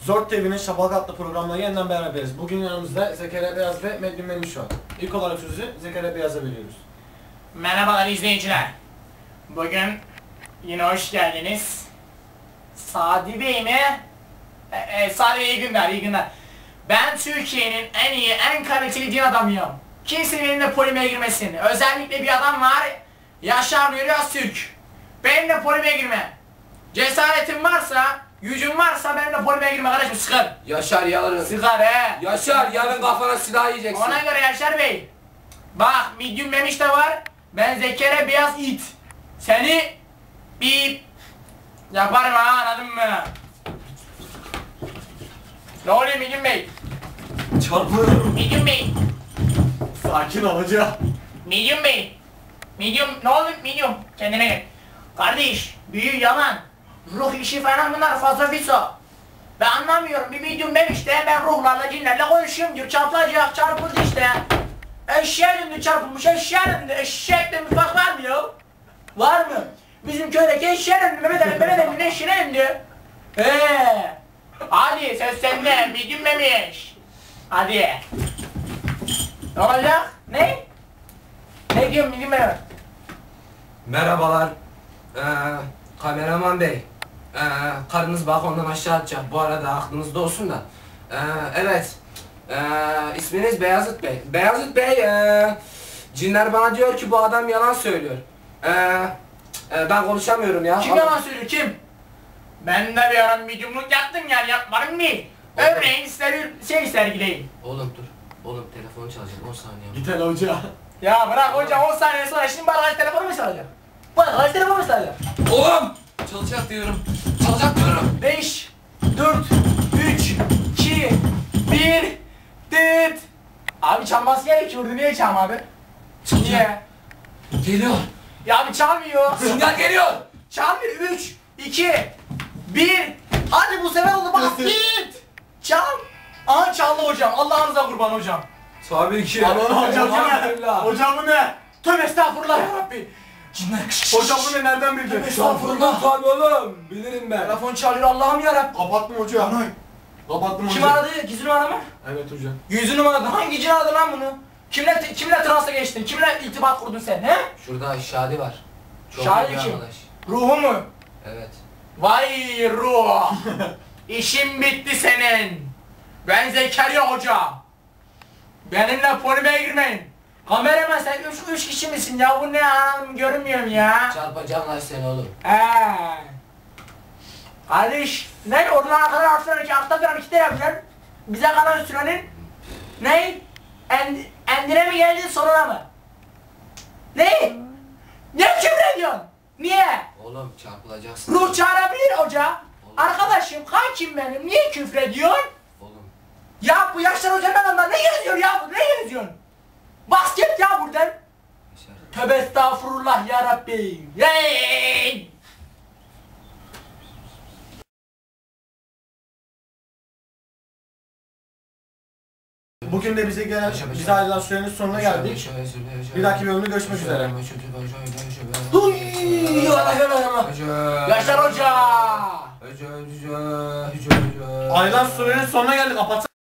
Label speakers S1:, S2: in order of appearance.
S1: Zort TV'nin Şafak adlı programla yeniden beraberiz. Bugün yanımızda Zekeriya Beyaz ve Medlin Memiş var. İlk olarak sözü Zekeriya Beyaz'a veriyoruz.
S2: Merhabalar izleyiciler. Bugün yine hoş geldiniz. Sadi Bey mi? Sadi iyi günler, iyi günler. Ben Türkiye'nin en iyi, en kaliteli din adamıyım. Kimse benimle polemiğe girmesin. Özellikle bir adam var, Yaşar Nuri Öztürk. Benimle polemiğe girme. Cesaretin varsa, gücün varsa benimle polemiğe girme kardeşim, sıkar.
S3: Yaşar yarın.
S2: Sıkar he.
S3: Yaşar yarın kafana silah yiyeceksin.
S2: Ona göre Yaşar Bey. Bak Medium Memiş de var. Ben Zekeriya Beyaz it. Seni bir yaparım ha, anladın mı? Ne oluyor Medium Bey?
S1: Çarpılırım.
S2: Medium Bey.
S1: Sakin ol hoca.
S2: Medium Bey. Medium ne oldu Medium? Kendine gel. Kardeş büyü yalan. Ruh işi falan bunlar fazla fiso. Ben anlamıyorum. Bir Medium Memiş de ben ruhlarla cinlerle konuşuyorum diyor. Çarpılacak çarpıldı işte. Eşeğe döndü çarpılmış, eşeğe döndü. Eşekle mutfak var mı ya? Var mı? Bizim köydeki eşeğe döndü, Mehmet Ali'nin eşeğine döndü. Hadi söz sende, Medium Memiş. Hadi. Ne olacak? Ne? Ne diyorsun Medium Memiş?
S3: Merhabalar. Kameraman bey. Karınız balkondan aşağı atacak. Bu arada aklınızda olsun da. Evet. İsminiz Beyazıt Bey. Beyazıt Bey, cinler bana diyor ki bu adam yalan söylüyor. Ben konuşamıyorum ya.
S2: Kim yalan söylüyor, kim? Ben de bir ara mediumluk yaptım yani, yapmadım değil. Örneğin size bir şey sergileyim.
S3: Oğlum dur. Oğlum telefonu çalacak 10 saniye.
S1: Git hele hoca.
S2: Ya bırak hocam, 10 saniye sonra şimdi bu arkadaş telefonu mu çalacak? Bu arkadaş telefonu mu çalacak?
S3: Oğlum! Çalacak diyorum. Çalacak diyorum.
S2: 5, 4, 3, 2, 1, dıt. Abi çalması gerekiyordu, niye çalma abi? Niye?
S3: Geliyor.
S2: Ya abi çalmıyor.
S3: Sinyal geliyor.
S2: Çalmıyor. 3, 2, 1. Hadi bu sefer oldu, bak git. Çal. Aha çaldı hocam. Allah'ınıza kurban hocam.
S3: Tabii ki.
S1: Aman hocam bu ne?
S3: Elhamdülillah.
S1: Hocam bu ne?
S2: Tövbe estağfurullah ya Rabbi.
S3: Cinler.
S1: Hocam bu ne? Nereden bildin?
S3: Estağfurullah. Tabii oğlum. Bilirim ben.
S2: Telefon çalıyor, Allah'ım ya Rabbi.
S1: Kapattım hoca. Kapattım hoca.
S2: Kim aradı? Gizli numara mı?
S1: Evet hoca.
S2: Yüzü numaradı. Hangi cin aradı lan bunu? Kimle transa geçtin? Kimle irtibat kurdun sen he?
S3: Şurada Şadi var. Çok
S2: Şadi
S3: iyi bir
S2: kim?
S3: arkadaş.
S2: Ruhu mu?
S3: Evet.
S2: Vay ruh! İşin bitti senin! Ben Zekeriya Hoca! Benimle polemiğe girmeyin! Kameraman sen üç kişi misin ya? Bu ne anam, görünmüyorum ya!
S3: Çarpacağım lan seni oğlum.
S2: Kardeş, ne? Oradan arkadan artlarken altta duran iki de yapacaksın. Bize kalan sürenin ne? Endine mi geldin, sonuna mı? Ne? Ne küfür ediyorsun? Niye?
S3: Oğlum çarpılacaksın.
S2: Ruh çağırabilir hoca. Arkadaşım, kankim benim, niye küfrediyorsun?
S3: Oğlum.
S2: Ya bu Yaşar Hoca ben ondan ne geziyor ya bu, ne geziyorsun? Bas git ya buradan.
S3: Yaşar.
S2: Tövbe estağfurullah ya Rabbi. Hey!
S1: Bugün de bize ayrılan sürenin sonuna geldik. Bir dahaki bölümde görüşmek üzere.
S2: Duy! Yaşar Hoca!
S1: Ayrılan sürenin sonuna geldik. Kapat.